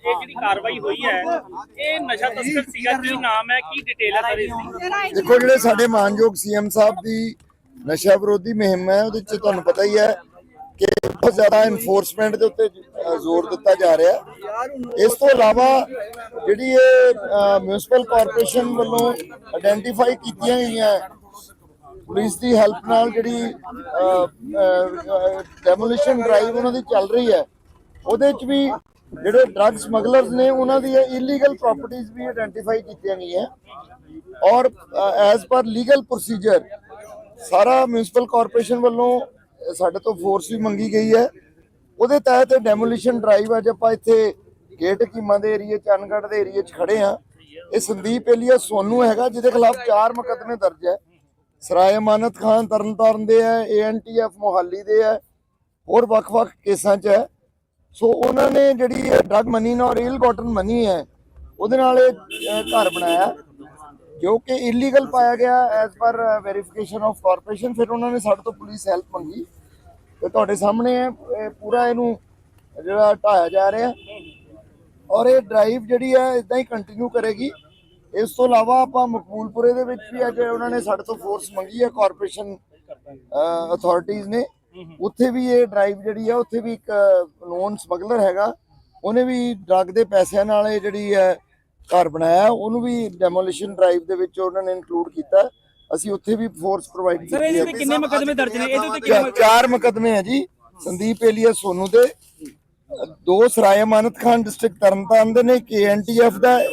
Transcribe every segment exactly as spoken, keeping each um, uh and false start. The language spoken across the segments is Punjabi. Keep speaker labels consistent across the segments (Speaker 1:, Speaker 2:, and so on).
Speaker 1: ਇਹ ਜਿਹੜੀ ਕਾਰਵਾਈ ਹੋਈ ਹੈ ਇਹ ਨਸ਼ਾ ਤਸਕਰ ਸੀਗਾ, ਕੀ ਨਾਮ ਹੈ, ਕੀ ਡਿਟੇਲ ਹੈ ਸਰ ਇਸ ਦੀ?
Speaker 2: ਦੇਖੋ ਜਿਹੜੇ ਸਾਡੇ ਮਾਨਯੋਗ ਸੀਐਮ ਸਾਹਿਬ ਦੀ ਨਸ਼ਾ ਵਿਰੋਧੀ ਮੁਹਿੰਮ ਹੈ ਉਹਦੇ ਵਿੱਚ ਤੁਹਾਨੂੰ ਪਤਾ ਹੀ ਹੈ ਕਿ ਬਹੁਤ ਜ਼ਿਆਦਾ ਇਨਫੋਰਸਮੈਂਟ ਦੇ ਉੱਤੇ ਜ਼ੋਰ ਦਿੱਤਾ ਜਾ ਰਿਹਾ ਹੈ। ਇਸ ਤੋਂ ਇਲਾਵਾ ਜਿਹੜੀ ਇਹ ਮਿਊਨਿਸਪਲ ਕਾਰਪੋਰੇਸ਼ਨ ਵੱਲੋਂ ਆਇਡੈਂਟੀਫਾਈ ਕੀਤੀਆਂ ਗਈਆਂ ਪੁਲਿਸ ਦੀ ਹੈਲਪ ਨਾਲ ਜਿਹੜੀ ਡੈਮੋਲੀਸ਼ਨ ਡਰਾਈਵ ਉਹਨਾਂ ਦੀ ਚੱਲ ਰਹੀ ਹੈ ਉਹਦੇ ਵਿੱਚ ਵੀ ਜਿਹੜੇ ਡਰੱਗ ਸਮਗਲਰਸ ਨੇ ਉਹਨਾਂ ਦੀ ਇਲੀਗਲ ਪ੍ਰਾਪਰਟੀਆਂ ਵੀ ਆਇਡੈਂਟੀਫਾਈ ਕੀਤੀਆਂ ਗਈਆਂ ਔਰ ਐਜ਼ ਪਰ ਲੀਗਲ ਪ੍ਰੋਸੀਜਰ ਸਾਰਾ ਮਿਊਨਿਸਪਲ ਕਾਰਪੋਰੇਸ਼ਨ ਵੱਲੋਂ ਸਾਡੇ ਤੋਂ ਫੋਰਸ ਵੀ ਮੰਗੀ ਗਈ ਹੈ। ਉਹਦੇ ਤਹਿਤ ਡੈਮੋਲੀਸ਼ਨ ਡਰਾਈਵ ਅੱਜ ਆਪਾਂ ਇੱਥੇ ਗੇਟ ਕੀਮਾ ਦੇ ਏਰੀਏ ਚੰਨਗੜ੍ਹ ਦੇ ਏਰੀਏ 'ਚ ਖੜੇ ਹਾਂ। ਇਹ ਸੰਦੀਪ ਏਲੀਆ ਸੋਨੂ ਹੈਗਾ ਜਿਹਦੇ ਖਿਲਾਫ ਚਾਰ ਮੁਕੱਦਮੇ ਦਰਜ ਹੈ। ਸਰਾਏ ਅਮਾਨਤ ਖਾਨ ਤਰਨਤਾਰਨ ਦੇ ਹੈ, A N T F Mohali ਦੇ ਹੈ, ਹੋਰ ਵੱਖ-ਵੱਖ ਕੇਸਾਂ 'ਚ ਹੈ। ਸੋ ਉਹਨਾਂ ਨੇ ਜਿਹੜੀ ਡਰੱਗ ਮਨੀ ਨਾਲ ਇਲ ਗੋਟਨ ਮਨੀ ਹੈ ਉਹਦੇ ਨਾਲ ਇਹ ਘਰ ਬਣਾਇਆ ਜੋ ਕਿ ਇਲੀਗਲ ਪਾਇਆ ਗਿਆ as per verification of corporation. ਫਿਰ ਉਹਨਾਂ ਨੇ ਸਾਡੇ ਤੋਂ ਪੁਲਿਸ ਹੈਲਪ ਮੰਗੀ ਤੇ ਤੁਹਾਡੇ ਸਾਹਮਣੇ ਹੈ ਪੂਰਾ ਇਹਨੂੰ ਜਿਹੜਾ ਢਾਇਆ ਜਾ ਰਿਹਾ ਔਰ ਇਹ ਡਰਾਈਵ ਜਿਹੜੀ ਹੈ ਇਦਾਂ ਹੀ ਕੰਟੀਨਿਊ ਕਰੇਗੀ। ਇਸ ਤੋਂ ਇਲਾਵਾ ਆਪਾਂ ਮਕਬੂਲਪੁਰੇ ਦੇ ਵਿੱਚ ਵੀ ਅੱਜ ਉਹਨਾਂ ਨੇ ਸਾਡੇ ਤੋਂ ਫੋਰਸ ਮੰਗੀ ਹੈ ਕਾਰਪੋਰੇਸ਼ਨ ਅਥਾਰਟੀਜ਼ ਨੇ, ਉੱਥੇ ਵੀ ਇਹ ਡਰਾਈਵ ਜਿਹੜੀ ਹੈ ਉੱਥੇ ਵੀ ਇੱਕ ਨੋਨ ਸਮਗਲਰ ਹੈਗਾ ਉਹਨੇ ਵੀ ਡਰੱਗ ਦੇ ਪੈਸਿਆਂ ਨਾਲ ਇਹ ਜਿਹੜੀ ਹੈ ਘਰ ਬਣਾਇਆ, ਉਹਨੂੰ ਵੀ ਡੈਮੋਲੀਸ਼ਨ ਡਰਾਈਵ ਦੇ ਵਿੱਚ ਉਹਨਾਂ ਨੇ ਇਨਕਲੂਡ ਕੀਤਾ। ਅਸੀਂ ਉੱਥੇ ਵੀ ਫੋਰਸ ਪ੍ਰੋਵਾਈਡ ਕੀਤੀ ਹੈ।
Speaker 1: ਕਿੰਨੇ ਮੁਕੱਦਮੇ ਦਰਜ ਨੇ ਇਹਦੇ ਉੱਤੇ?
Speaker 2: ਚਾਰ ਮੁਕੱਦਮੇ ਹੈ ਜੀ, ਸੰਦੀਪ ਏਲੀਆ ਸੋਨੂ ਦੇ, ਦੋ ਸਰਾਏ ਅਮਾਨਤ ਖਾਨ ਡਿਸਟ੍ਰਿਕਟ ਤਰਨਤਾਰਨ ਦੇ ਨੇ, ਕੇ ਐਨ ਟੀ ਐਫ ਦਾ,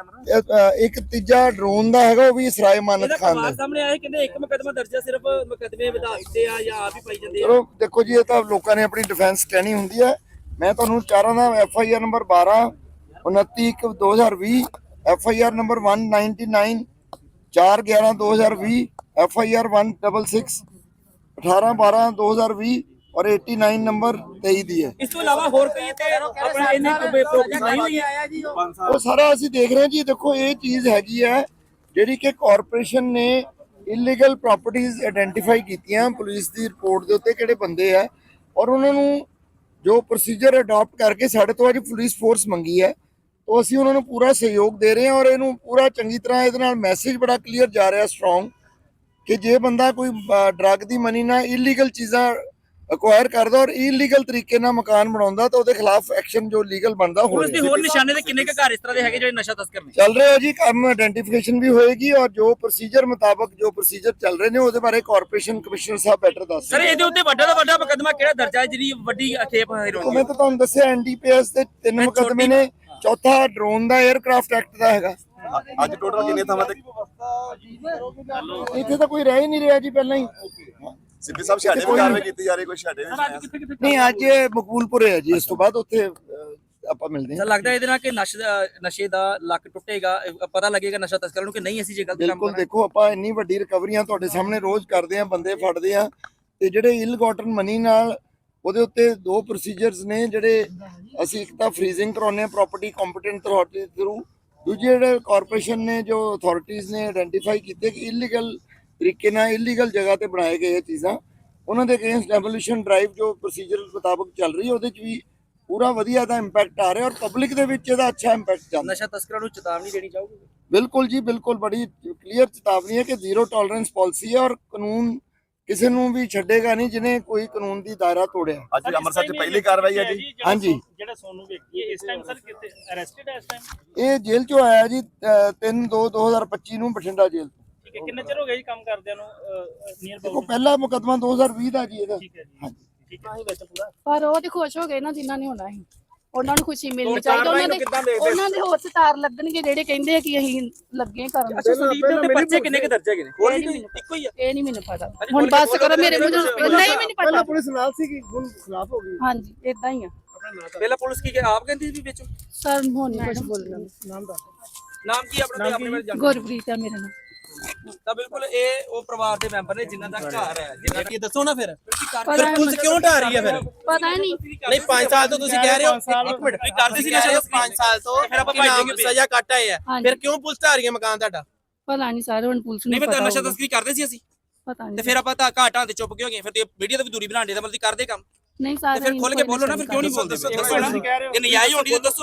Speaker 2: ਇੱਕ ਤੀਜਾ ਡਰੋਨ ਦਾ ਹੈਗਾ ਉਹ ਵੀ ਸਰਾਏ ਅਮਾਨਤ ਖਾਨ ਦਾ।
Speaker 1: ਸਾਹਮਣੇ ਆਏ ਕਹਿੰਦੇ ਇੱਕ ਮੁਕੱਦਮਾ ਦਰਜ ਹੈ, ਸਿਰਫ ਮੁਕੱਦਮੇ ਵਧਾ ਦਿੱਤੇ ਆ ਜਾਂ ਆਪ ਹੀ ਪਾਈ ਜਾਂਦੇ ਆ?
Speaker 2: ਚਲੋ ਦੇਖੋ ਜੀ ਇਹ ਤਾਂ ਲੋਕਾਂ ਨੇ ਆਪਣੀ ਡਿਫੈਂਸ ਕਹਿਣੀ ਹੁੰਦੀ ਹੈ। ਮੈਂ ਤੁਹਾਨੂੰ ਚਾਰਾਂ ਦਾ ਐਫ ਆਈ ਆਰ ਨੰਬਰ ਬਾਰਾਂ ਉਨੱਤੀ ਇੱਕ ਦੋ ਹਜ਼ਾਰ ਵੀਹ, ਐਫ ਆਈ ਆਰ ਨੰਬਰ ਇੱਕ ਸੌ ਨਿਨਆਨਵੇਂ ਚਾਰ ਗਿਆਰਾਂ ਦੋ ਹਜ਼ਾਰ ਵੀਹ, ਐਫ ਆਈ ਆਰ ਇੱਕ ਛੇ ਛੇ ਅਠਾਰਾਂ ਬਾਰਾਂ ਦੋ ਹਜ਼ਾਰ ਵੀਹ ਔਰ ਨਵਾਸੀ ਨੰਬਰ ਤੇਈ ਦੀ ਹੈ।
Speaker 1: ਇਸ ਤੋਂ ਇਲਾਵਾ ਹੋਰ ਕੋਈ ਤੇ ਆਪਣਾ ਇਹਨੇ ਪ੍ਰੋਪਰਟੀ ਨਹੀਂ ਹੋਈ ਹੈ
Speaker 2: ਉਹ ਸਾਰਾ ਅਸੀਂ ਦੇਖ ਰਹੇ ਹਾਂ ਜੀ। ਦੇਖੋ ਇਹ ਚੀਜ਼ ਹੈਗੀ ਹੈ ਜਿਹੜੀ ਕਿ ਕਾਰਪੋਰੇਸ਼ਨ ਨੇ ਇਲੀਗਲ ਪ੍ਰਾਪਰਟੀਆਂ ਆਇਡੈਂਟੀਫਾਈ ਕੀਤੀਆਂ ਪੁਲਿਸ ਦੀ ਰਿਪੋਰਟ ਦੇ ਉੱਤੇ ਕਿਹੜੇ ਬੰਦੇ ਆ ਔਰ ਉਹਨਾਂ ਨੂੰ ਜੋ ਪ੍ਰੋਸੀਜਰ ਅਡਾਪਟ ਕਰਕੇ ਸਾਡੇ ਤੋਂ ਅੱਜ ਪੁਲਿਸ ਫੋਰਸ ਮੰਗੀ ਹੈ तो ਅਸੀਂ ਉਹਨਾਂ ਨੂੰ ਪੂਰਾ ਸਹਿਯੋਗ ਦੇ ਰਹੇ ਹਾਂ ਔਰ ਇਹਨੂੰ ਪੂਰਾ ਚੰਗੀ ਤਰ੍ਹਾਂ ਇਹਦੇ ਨਾਲ ਮੈਸੇਜ ਬੜਾ ਕਲੀਅਰ ਜਾ ਰਿਹਾ ਸਟਰੋਂਗ ਕਿ ਜੇ ਬੰਦਾ ਕੋਈ ਡਰੱਗ ਦੀ ਮਨੀ ਨਾਲ ਇਲੀਗਲ ਚੀਜ਼ਾਂ ਅਕਵਾਇਰ ਕਰਦਾ ਔਰ ਇਲੀਗਲ ਤਰੀਕੇ ਨਾਲ ਮਕਾਨ ਬਣਾਉਂਦਾ ਤਾਂ ਉਹਦੇ ਖਿਲਾਫ ਐਕਸ਼ਨ ਜੋ ਲੀਗਲ ਬਣਦਾ ਹੋਵੇ।
Speaker 1: ਉਸ ਦੇ ਹੋਰ ਨਿਸ਼ਾਨੇ ਤੇ ਕਿੰਨੇ ਕੁ ਘਰ ਇਸ ਤਰ੍ਹਾਂ ਦੇ ਹੈਗੇ ਜਿਹੜੇ ਨਸ਼ਾ ਤਸਕਰ ਨੇ?
Speaker 2: ਚੱਲ ਰਿਹਾ ਜੀ ਕੰਮ, ਆਇਡੈਂਟੀਫਿਕੇਸ਼ਨ ਵੀ ਹੋਏਗੀ ਔਰ ਜੋ ਪ੍ਰੋਸੀਜਰ ਮੁਤਾਬਕ ਜੋ ਪ੍ਰੋਸੀਜਰ ਚੱਲ ਰਹੇ ਨੇ ਉਹਦੇ ਬਾਰੇ ਕਾਰਪੋਰੇਸ਼ਨ ਕਮਿਸ਼ਨਰ ਸਾਹਿਬ ਬੈਟਰ ਦੱਸ
Speaker 1: ਸਰ ਇਹਦੇ ਉੱਤੇ ਵੱਡਾ ਤੋਂ ਵੱਡਾ ਮੁਕੱਦਮਾ ਕਿਹੜਾ ਦਰਜ ਹੈ ਜਿਹੜੀ ਵੱਡੀ ਖੇਪ ਹੈਰੋਇਨ?
Speaker 2: ਮੈਂ ਤਾਂ ਤੁਹਾਨੂੰ ਦੱਸਿਆ ਐਨ ਡੀ ਪੀ ਐਸ ਦੇ ਤਿੰਨ ਮੁਕੱਦਮੇ ਨੇ, ਚੌਥਾ ਡਰੋਨ ਦਾ 에ਅਰਕ੍ਰਾਫਟ ਐਕਟ ਦਾ ਹੈਗਾ।
Speaker 3: ਅੱਜ ਟੋਟਲ ਕਿੰਨੇ ਥਾਵਾਂ ਤੇ
Speaker 2: ਇੱਥੇ ਤਾਂ ਕੋਈ ਰਹਿ ਹੀ ਨਹੀਂ ਰਿਹਾ ਜੀ ਪਹਿਲਾਂ ਹੀ।
Speaker 3: ਸਿੱਧੀ ਸਾਹਿਬ ਛਾੜੇ ਵੀ ਕਾਰਵਾਈ ਕੀਤੀ ਜਾ ਰਹੀ, ਕੋਈ ਛਾੜੇ
Speaker 2: ਨਹੀਂ ਅੱਜ ਮਕਬੂਲਪੁਰੇ ਹੈ ਜੀ, ਇਸ ਤੋਂ ਬਾਅਦ ਉੱਥੇ ਆਪਾਂ ਮਿਲਦੇ ਹਾਂ।
Speaker 1: ਸਰ ਲੱਗਦਾ ਇਹਦੇ ਨਾਲ ਕਿ ਨਸ਼ੇ ਦਾ ਲੱਕ ਟੁੱਟੇਗਾ, ਪਤਾ ਲੱਗੇਗਾ ਨਸ਼ਾ ਤਸਕਰਾਂ ਨੂੰ ਕਿ ਨਹੀਂ ਅਸੀਂ ਜੇ ਗਲਤ ਕੰਮ
Speaker 2: ਬਿਲਕੁਲ ਦੇਖੋ ਆਪਾਂ ਇੰਨੀ ਵੱਡੀ ਰਿਕਵਰੀਆਂ ਤੁਹਾਡੇ ਸਾਹਮਣੇ ਰੋਜ਼ ਕਰਦੇ ਆ, ਬੰਦੇ ਫੜਦੇ ਆ ਤੇ ਜਿਹੜੇ ਇਲ ਗੋਟਨ ਮਨੀ ਨਾਲ ਉਹਦੇ ਉੱਤੇ ਦੋ ਪ੍ਰੋਸੀਜਰਸ ਨੇ ਜਿਹੜੇ ਅਸੀਂ ਇੱਕ ਤਾਂ ਫਰੀਜ਼ਿੰਗ ਕਰਾਉਂਦੇ ਆ ਪ੍ਰਾਪਰਟੀ ਕੰਪੀਟੈਂਟ ਅਥਾਰਟੀ ਥਰੂ, ਦੂਜੇ ਜਿਹੜੇ ਕਾਰਪੋਰੇਸ਼ਨ ਨੇ ਜੋ ਅਥਾਰਟੀਜ਼ ਨੇ ਆਇਡੈਂਟੀਫਾਈ ਕੀਤੇ ਕਿ ਇਲੀਗਲ ਤਰੀਕੇ ਨਾਲ ਇਲੀਗਲ ਜਗ੍ਹਾ ਤੇ ਬਣਾਏ ਗਏ ਇਹ ਚੀਜ਼ਾਂ, ਉਹਨਾਂ ਦੇ ਅਗੇਂਸਟ ਡੈਮੋਲੀਸ਼ਨ ਡਰਾਈਵ ਜੋ ਪ੍ਰੋਸੀਜਰ ਮੁਤਾਬਕ ਚੱਲ ਰਹੀ ਹੈ ਉਹਦੇ 'ਚ ਵੀ ਪੂਰਾ ਵਧੀਆ ਦਾ ਇੰਪੈਕਟ ਆ ਰਿਹਾ ਔਰ ਪਬਲਿਕ ਦੇ ਵਿੱਚ ਇਹਦਾ ਅੱਛਾ ਇੰਪੈਕਟ ਚੱਲਦਾ।
Speaker 1: ਨਸ਼ਾ ਤਸਕਰਾਂ ਨੂੰ ਚੇਤਾਵਨੀ ਦੇਣੀ ਚਾਹੋਗੇ?
Speaker 2: ਬਿਲਕੁਲ ਜੀ ਬਿਲਕੁਲ, ਬੜੀ ਕਲੀਅਰ ਚੇਤਾਵਨੀ ਹੈ ਕਿ ਜ਼ੀਰੋ ਟੋਲਰੈਂਸ ਪਾਲਿਸੀ ਹੈ ਔਰ ਕਾਨੂੰਨ ਕਿਸੇ ਨੂੰ ਵੀ ਛੱਡੇਗਾ ਨਹੀਂ ਜਿਹਨੇ ਕੋਈ ਕਾਨੂੰਨ ਦੀ ਦਾਇਰਾ ਤੋੜਿਆ।
Speaker 3: ਅੱਜ ਅੰਮ੍ਰਿਤਸਰ 'ਚ ਪਹਿਲੀ ਕਾਰਵਾਈ ਹੈ ਜੀ।
Speaker 2: ਹਾਂਜੀ,
Speaker 1: ਜਿਹੜਾ ਸੋਨੂ ਵਿਅਕਤੀ ਹੈ ਇਸ ਟਾਈਮ ਸਰ ਕਿੱਥੇ ਅਰੈਸਟਡ ਹੈ? ਇਸ ਟਾਈਮ
Speaker 2: ਇਹ ਜੇਲ੍ਹ 'ਚੋਂ ਆਇਆ ਜੀ ਤਿੰਨ ਦੋ ਦੋ ਹਜ਼ਾਰ ਪੱਚੀ ਨੂੰ ਬਠਿੰਡਾ ਜੇਲ੍ਹ ਤੋਂ।
Speaker 1: ਠੀਕ ਹੈ, ਕਿੰਨਾ ਚਿਰ ਹੋ ਗਿਆ ਜੀ ਕੰਮ ਕਰਦਿਆਂ ਨੂੰ? ਨੀਅਰ
Speaker 2: ਦੇਖੋ ਪਹਿਲਾ ਮੁਕੱਦਮਾ ਦੋ ਹਜ਼ਾਰ ਵੀਹ ਦਾ ਜੀ ਇਹਦਾ।
Speaker 1: ਠੀਕ ਹੈ ਜੀ,
Speaker 2: ਹਾਂਜੀ
Speaker 1: ਠੀਕ ਹੈ ਵਿੱਚ ਪੂਰਾ।
Speaker 4: ਪਰ ਉਹ ਤੇ ਖੁਸ਼ ਹੋ ਗਏ ਨਾ ਜਿਨ੍ਹਾਂ ਨੇ ਹੋਣਾ ਸੀ, ਉਹਨਾਂ ਨੂੰ ਖੁਸ਼ੀ ਮਿਲਣੀ ਚਾਹੀਦੀ। ਉਹਨਾਂ ਦੇ ਉਹਨਾਂ ਦੇ ਹੋਰ ਸਟਾਰ ਲੱਗਣਗੇ ਜਿਹੜੇ ਕਹਿੰਦੇ ਆ ਕਿ ਅਸੀਂ ਲੱਗੇ ਕਰਨ।
Speaker 1: ਅੱਛਾ ਸੰਦੀਪ ਦੇ ਉੱਤੇ ਪਰਚੇ ਕਿੰਨੇ ਕੁ ਦਰਜ ਹੈਗੇ ਨੇ? ਹੋਰ ਵੀ ਇੱਕੋ ਹੀ ਆ?
Speaker 4: ਇਹ ਨਹੀਂ ਮੈਨੂੰ ਪਤਾ, ਹੁਣ ਬਸ ਕਰੋ ਮੇਰੇ ਮੂੰਹ ਤੋਂ। ਨਹੀਂ ਮੈਨੂੰ ਪਤਾ।
Speaker 2: ਪੁਲਿਸ ਨਾਲ ਸੀ ਕਿ ਹੁਣ ਖਿਲਾਫ ਹੋ ਗਈ।
Speaker 4: ਹਾਂਜੀ ਇਦਾਂ ਹੀ ਆ।
Speaker 1: ਪਹਿਲਾਂ ਪੁਲਿਸ ਕੀ ਆਪ ਕਹਿੰਦੀ ਸੀ ਵੀ ਵਿੱਚ?
Speaker 4: ਸਰ ਹੁਣ ਨਹੀਂ ਕੁਝ ਬੋਲਣਾ।
Speaker 1: ਨਾਮ ਦਾ ਨਾਮ ਕੀ ਆਪਣਾ ਤੇ ਆਪਣੇ ਬਾਰੇ ਜਾਣੋ।
Speaker 4: ਗੁਰਪ੍ਰੀਤ ਆ ਮੇਰਾ ਨਾਮ।
Speaker 1: ਤਾਂ ਬਿਲਕੁਲ ਇਹ ਉਹ ਪਰਿਵਾਰ ਦੇ ਮੈਂਬਰ ਨੇ ਜਿਨ੍ਹਾਂ ਦਾ ਘਰ ਹੈ। ਜਿਨ੍ਹਾਂ ਕੀ ਦੱਸੋ ਨਾ ਫਿਰ
Speaker 4: ਪਤਾ ਨਹੀਂ
Speaker 1: ਪੁਲਿਸ ਕਿਉਂ ਢਾ ਰਹੀ ਹੈ ਫਿਰ?
Speaker 4: ਪਤਾ ਨਹੀਂ।
Speaker 1: ਨਹੀਂ ਪੰਜ ਸਾਲ ਤੋਂ ਤੁਸੀਂ ਕਹਿ ਰਹੇ ਹੋ, ਇੱਕ ਮਿੰਟ ਤੁਸੀਂ ਕਰਦੇ ਸੀ ਨਸ਼ਾ ਪੰਜ ਸਾਲ ਤੋਂ, ਫਿਰ ਆਪਾਂ ਭਾਈ ਸਜ਼ਾ ਕੱਟ ਆਏ ਆ, ਫਿਰ ਕਿਉਂ ਪੁਲਿਸ ਢਾ ਰਹੀ ਹੈ ਮਕਾਨ ਤੁਹਾਡਾ?
Speaker 4: ਪਤਾ ਨਹੀਂ ਸਾਰੇ ਹੁਣ ਪੁਲਿਸ ਨੂੰ
Speaker 1: ਨਹੀਂ
Speaker 4: ਪਤਾ
Speaker 1: ਮੈਂ ਨਸ਼ਾ ਤਸਕਰੀ ਕਰਦੇ ਸੀ ਅਸੀਂ,
Speaker 4: ਪਤਾ ਨਹੀਂ।
Speaker 1: ਤੇ ਫਿਰ ਆਪਾਂ ਤਾਂ ਘਾਟਾਂ ਤੇ ਚੁੱਪ ਕਿਉਂ ਗਏ? ਫਿਰ ਤੇ ਵੀਡੀਓ ਤੇ ਵੀ ਦੂਰੀ ਬਣਾਉਂਦੇ ਦਾ ਮਤਲਬ ਕਰਦੇ ਕੰਮ
Speaker 4: ਨਹੀਂ
Speaker 1: ਤੇ
Speaker 4: ਸਾਰੇ
Speaker 1: ਫਿਰ ਖੁੱਲ ਕੇ ਬੋਲੋ ਨਾ, ਫਿਰ ਕਿਉਂ ਨਹੀਂ ਬੋਲਦੇ? ਦੱਸੋ ਇਹ ਨਜਾਇਜ਼ ਹੋਣੀ ਤੇ ਦੱਸੋ।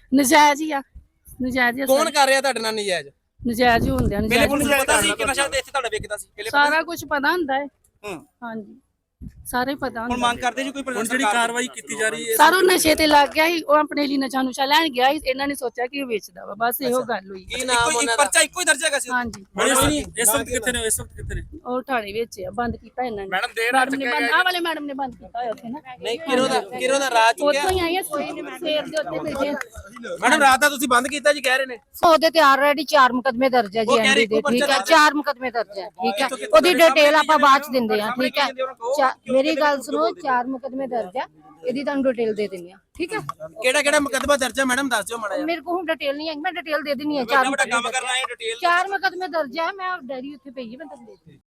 Speaker 4: ਨਜਾਇਜ਼ ਹੀ ਆ ਨਜਾਇਜ਼ ਹੀ ਆ
Speaker 1: ਕੌਣ
Speaker 4: ਸਾਰੇ।
Speaker 1: ਕਰ ਰਿਹਾ ਤੁਹਾਡੇ ਨਾਲ ਨਜਾਇਜ਼?
Speaker 4: ਨਜਾਇਜ਼ ਹੀ ਹੁੰਦੇ ਆ
Speaker 1: ਪਹਿਲੇ
Speaker 4: ਨਜਾਇਜ਼
Speaker 1: ਪੁਲਿਸ ਨੂੰ ਪਤਾ ਸੀ ਕਿ ਨਸ਼ਾ ਤੇ ਇੱਥੇ ਤੁਹਾਡਾ ਵਿਕਦਾ ਸੀ? ਪਹਿਲੇ
Speaker 4: ਸਾਰਾ ਕੁਝ ਪਤਾ ਹੁੰਦਾ ਹੈ
Speaker 1: ਹੂੰ।
Speaker 4: ਹਾਂਜੀ ਸਾਰੇ ਪਤਾ
Speaker 1: ਹੁਣ
Speaker 4: ਹੁੰਦਾ
Speaker 1: ਮੰਗ ਕਰਦੇ ਜੀ ਕੋਈ ਪ੍ਰਸ਼ਾਸਨ ਜਿਹੜੀ ਕਾਰਵਾਈ ਕੀਤੀ ਜਾ ਰਹੀ ਹੈ?
Speaker 4: ਸਾਰੋਂ ਨਸ਼ੇ ਤੇ ਲੱਗ ਗਿਆ ਸੀ ਉਹ ਆਪਣੇ ਲਈ ਨਸ਼ਾ ਨੁਸ਼ਾ ਲੈਣ ਗਿਆ ਸੀ ਇਹਨਾਂ ਨੇ ਸੋਚਿਆ ਕਿ ਇਹ ਵੇਚਦਾ ਵਾ ਬਸ ਇਹੋ ਗੱਲ ਹੋਈ
Speaker 1: ਕੀ ਨਾਮ ਉਹਨਾਂ ਦਾ? ਪਰਚਾ ਇੱਕੋ ਹੀ ਦਰਜ ਹੈਗਾ ਸੀ?
Speaker 4: ਹਾਂਜੀ
Speaker 1: ਇਸ ਵਕਤ ਕਿੱਥੇ ਨੇ? ਇਸ ਵਕਤ ਕਿੱਥੇ ਨੇ?
Speaker 4: ਉਹ ਥਾਣੇ ਵਿੱਚ ਆ ਬੰਦ ਕੀਤਾ ਇਹਨਾਂ ਨੇ
Speaker 1: ਮੈਡਮ ਦੇਰ
Speaker 4: ਮੈਡਮ ਨੇ ਬੰਦ ਆਹ ਵਾਲੇ ਮੈਡਮ ਨੇ ਬੰਦ ਕੀਤਾ ਹੋਇਆ ਉੱਥੇ ਨਾ
Speaker 1: ਨਹੀਂ ਕਿਰੋ ਦਾ ਕਿਰੋ ਦਾ ਰਾਤ ਚੁੱਕਿਆ
Speaker 4: ਉੱਥੋਂ ਹੀ ਆਈ ਆ ਸਵੇਰ ਦੇ ਉੱਤੇ ਬੈਠੇ
Speaker 1: ਮੈਡਮ ਰਾਤ ਦਾ ਤੁਸੀਂ ਬੰਦ ਕੀਤਾ ਜੀ ਕਹਿ ਰਹੇ ਨੇ।
Speaker 5: ਉਹਦੇ ਤੇ ਆਲਰੇਡੀ ਚਾਰ ਮੁਕਦਮੇ ਦਰਜ ਹੈ ਜੀ ਐਨਡੀ ਦੇ ਠੀਕ ਹੈ ਚਾਰ ਮੁਕਦਮੇ ਦਰਜ ਹੈ ਠੀਕ ਹੈ ਉਹਦੀ ਡਿਟੇਲ ਆਪਾਂ ਬਾਅਦ ਚ ਦਿੰਦੇ ਆ ਠੀਕ ਹੈ ਚਾ- ਮੇਰੀ ਗੱਲ ਸੁਣੋ ਚਾਰ ਮੁਕਦਮੇ ਦਰਜ ਹੈ ਇਹਦੀ ਤੁਹਾਨੂੰ ਡਿਟੇਲ ਦੇ ਦਿੰਦੀ ਆ ਠੀਕ ਹੈ
Speaker 1: ਕਿਹੜਾ ਕਿਹੜਾ ਮੁਕੱਦਮਾ ਦਰਜ ਹੈ ਮੈਡਮ ਦੱਸ ਦਿਓ ਮਾੜਾ ਜਿਹਾ।
Speaker 5: ਮੇਰੇ ਕੋਲ ਹੁਣ ਡਿਟੇਲ ਨਹੀਂ ਹੈ ਮੈਂ ਡਿਟੇਲ ਦੇ ਦਿੰਦੀ ਆ ਚਾਰ
Speaker 1: ਕੰਮ ਕਰਨਾ ਹੈ ਡਿਟੇਲ
Speaker 5: ਚਾਰ ਮੁਕਦਮੇ ਦਰਜ ਹੈ ਮੈਂ ਡਾਇਰੀ ਉੱਥੇ ਪਈ ਹੈ ਮੈਂ ਤੁਹਾਨੂੰ ਦੇ ਦਿੰਦੀ